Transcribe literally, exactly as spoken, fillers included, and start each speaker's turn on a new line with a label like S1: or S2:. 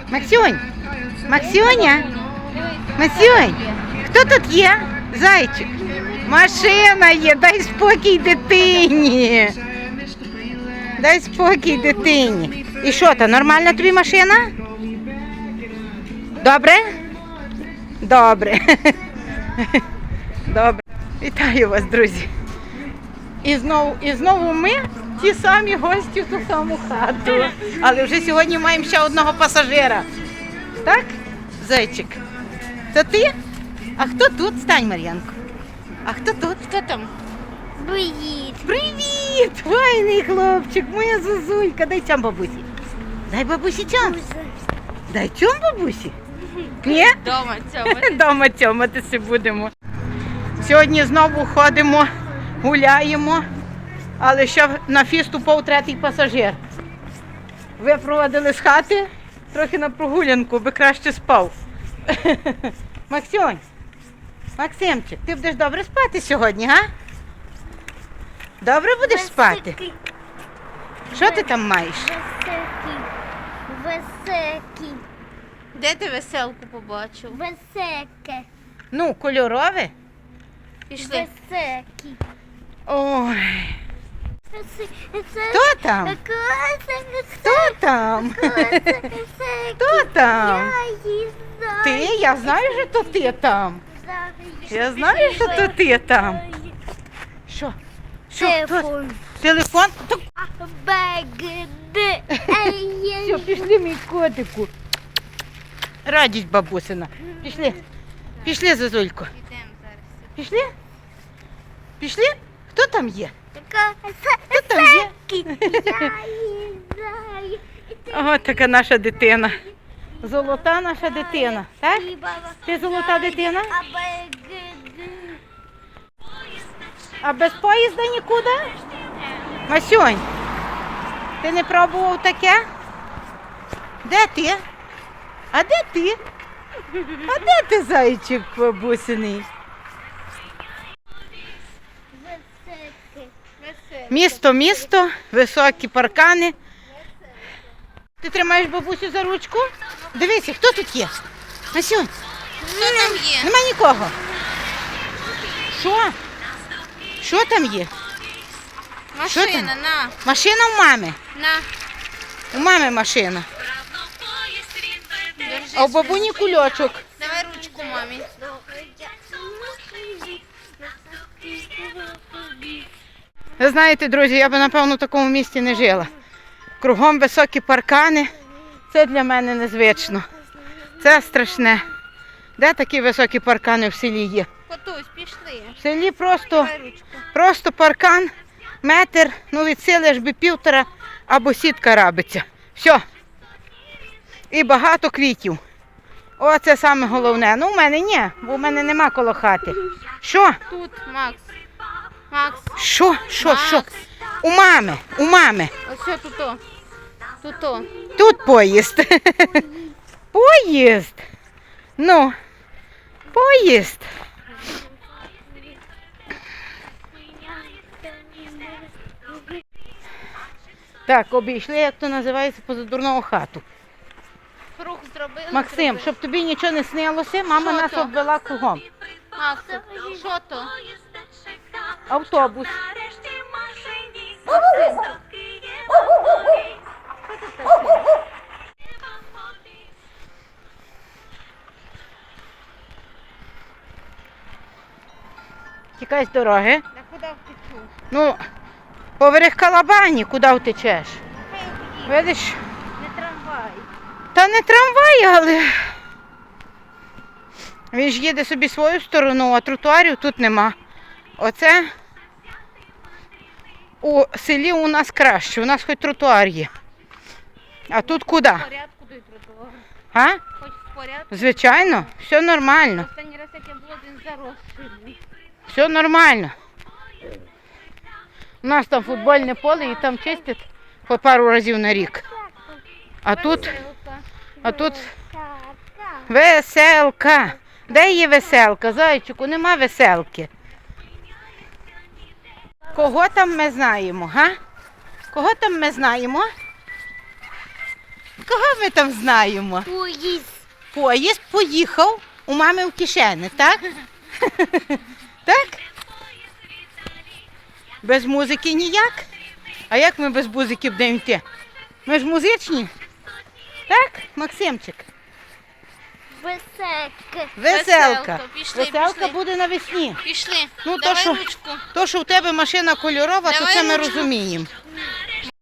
S1: Максюнь, Максюня, Максюнь, хто тут є? Зайчик. Машина є, дай спокій дитині. Дай спокій дитині. І що, то нормальна тобі машина? Добре? Добре. Добре. Вітаю вас, друзі. І знову, і знову ми ті самі гості в ту саму хату. Але вже сьогодні маємо ще одного пасажира. Так, зайчик? Це ти? А хто тут? Стань, Мар'янко. А хто тут? Хто там?
S2: Привіт.
S1: Привіт! Файний хлопчик, моя зозулька. Дай цьому бабусі. Дай бабусі цьому. Дай цьому бабусі. Ні?
S2: Дома цьому.
S1: Дома цьоматися будемо. Сьогодні знову ходимо, гуляємо, але ще на фіст упав третій пасажир. Випровадили з хати, трохи на прогулянку, би краще спав. Максюнь, Максимчик, ти будеш добре спати сьогодні, га? Добре будеш спати? Що ти там маєш?
S2: Високий. Високий.
S3: Де ти веселку побачив?
S2: Високе.
S1: Ну, кольорове?
S3: Пішли.
S2: Високий.
S1: Ой,
S2: Хто
S1: хто там? Хто там? Хто там? Ти? Я знаю, що то ти там. Я знаю, що то ти там. Що? Що? Хто?
S2: Телефон.
S1: Телефон? Так,
S2: Бегди.
S1: все, пішли, мій котику. Радість бабусина. Пішли. Пішли, Зозулько.
S3: Йдемо зараз.
S1: Пішли? Пішли? Хто там є?
S2: Така
S1: Хто там є?
S2: знаю.
S1: Ого, така наша дитина. Золота наша дитина. Так? Ти золота дитина? А без поїзда нікуди? Масюнь, ти не пробував таке? Де ти? А де ти? А де ти, зайчик бабусиний? Місто, місто, високі паркани. Ти тримаєш бабусю за ручку? Дивися, хто тут є? Масюнь,
S3: Хто там є?
S1: нема нікого. Що? Що там є? Що там?
S3: Машина, на.
S1: Машина у мами.
S3: На.
S1: У мами машина.
S3: Держи.
S1: А у бабуні кульочок.
S3: Давай ручку мамі.
S1: Ви знаєте, друзі, я би, напевно, в такому місті не жила. Кругом високі паркани. Це для мене незвично. Це страшне. Де такі високі паркани в селі є?
S3: Котусь, пішли.
S1: В селі просто,
S3: Давай ручку.
S1: просто паркан, метр, ну від сили аж би півтора, або сітка рабиться. Все. І багато квітів. О, це саме головне. Ну, у мене ні, бо у мене нема коло хати. Що?
S3: Тут, Макс. Макс.
S1: Що? Що? Що?
S3: Макс.
S1: У мами, у мами.
S3: Ось що тут. о. Тут. о.
S1: Тут поїзд. Поїзд. Ну, поїзд. Так, обійшли, як то називається, позадурного хату.
S3: Круг зробили.
S1: Максим,
S3: зробили.
S1: щоб тобі нічого не снилося, мама
S3: Що
S1: нас
S3: то?
S1: обвела кругом.
S3: Макс, що то?
S1: Автобус. Тікай з дороги.
S3: Та куди втечу?
S1: Ну, поверх Калабані, куди втечеш? Видиш?
S3: Не трамвай.
S1: Та не трамвай, але він ж їде собі свою сторону, а тротуарів тут нема. Оце у селі у нас краще, у нас хоч тротуар є. А тут куди?
S3: В порядку до тротуару.
S1: А?
S3: Хоч в порядку.
S1: Звичайно, все нормально.
S3: Останній раз, як я була, він заросший.
S1: Все нормально. У нас там футбольне поле і там чистять по пару разів на рік. А тут, а тут веселка. Де є веселка? Зайчику, нема веселки. Кого там ми знаємо, га? Кого там ми знаємо? кого ми там знаємо?
S2: Поїзд.
S1: Поїзд поїхав у мами в кишені, так? Так? Без музики ніяк? А як ми без музики будемо йти? Ми ж музичні? Так, Максимчик?
S2: Веселки.
S1: Веселка.
S3: Веселка. Пішли,
S1: Веселка
S3: пішли.
S1: буде навесні.
S3: Пішли.
S1: Ну, то,
S3: Давай
S1: що-
S3: ручку.
S1: То, що в тебе машина кольорова, то
S3: Давай
S1: це ми
S3: ручку.
S1: розуміємо.